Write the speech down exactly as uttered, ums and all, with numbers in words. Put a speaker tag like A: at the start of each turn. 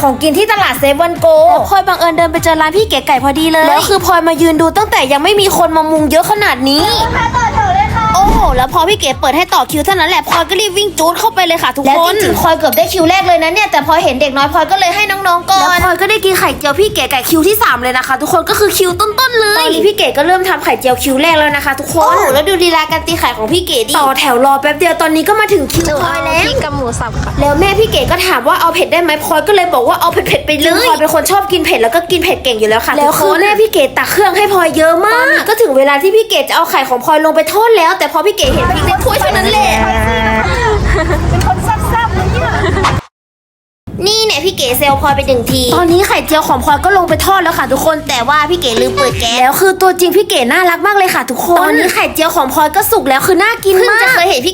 A: ของกินที่ตลาดเซเว่นโกพลอยบังเอิญเดินไปเจอร้านพี่เก๋ไก่พอดีเลยแล้วคือพลอยมายืนดูตั้งแต่ยังไม่มีคนมามุงเยอะขนาดนี้โอ้โหแล้วพอพี่เก๋เปิดให้ต่อคิวเท่านั้นแหละพลอยก็รีบวิ่งจูดเข้าไปเลยค่ะทุกคนและจริงๆพลอยเกือบได้คิวแรกเลยนะเนี่ยแต่พอเห็นเด็กน้อยพลอยก็เลยให้น้องๆก่อนแล้วพลอยก็ได้กินไข่เจียวพี่เก๋ไก่คิวที่สามเลยนะคะทุกคนก็คือคิวต้นๆเลยตอนนี้พี่เก๋ก็เริ่มทำไข่เจียวคิวแรกแล้วนะคะทุกคนโอ้โหแล้วดูลีลาการตีไข่ของพี่เก๋ดิต่อแถวรอแป๊บเดียวตอนนี้ก็มาถึงคิวพลอยแล้ว
B: กับหมูสับค่ะ
A: แล้วแม่พี่เก๋ก็ถามว่าเอาเผ็ดได้ไหมพลอยก็เลยบอกว่าเอาเผ็ดๆไปเลยพลอยเป็นคนชอบกินเผ็ดแล้วก็กินเผ็ดเก่งอยู่แล้วค่ะแล้วคือแม่พี่เก๋ตักเครื่องให้พลอยเยอะมากก็ถึงเวลาที่พี่เก๋จะเอาไข่ของพลอยลงไปทอดแล้วแต่พอพี่เก๋เห็นพริกในถ้วยเท่านั้นแหละเป็นคนแซ่บๆเลยเนี่ยนี่เนี่ยพี่เก๋เซลพลอยไปหนึ่งทีตอนนี้ไข่เจียวของพลอยก็ลงไปทอดแล้วค่ะทุกคนแต่ว่าพี่เก๋ลืมเปิดแก๊สแล้วคือตัวจริงพี่เก๋น่ารักมากเลยค่ะทุกคนตอนนี้ไข่เจียวของพลอยก็สุกแล้วคือน่ากินมากจะเคยเห็นพี่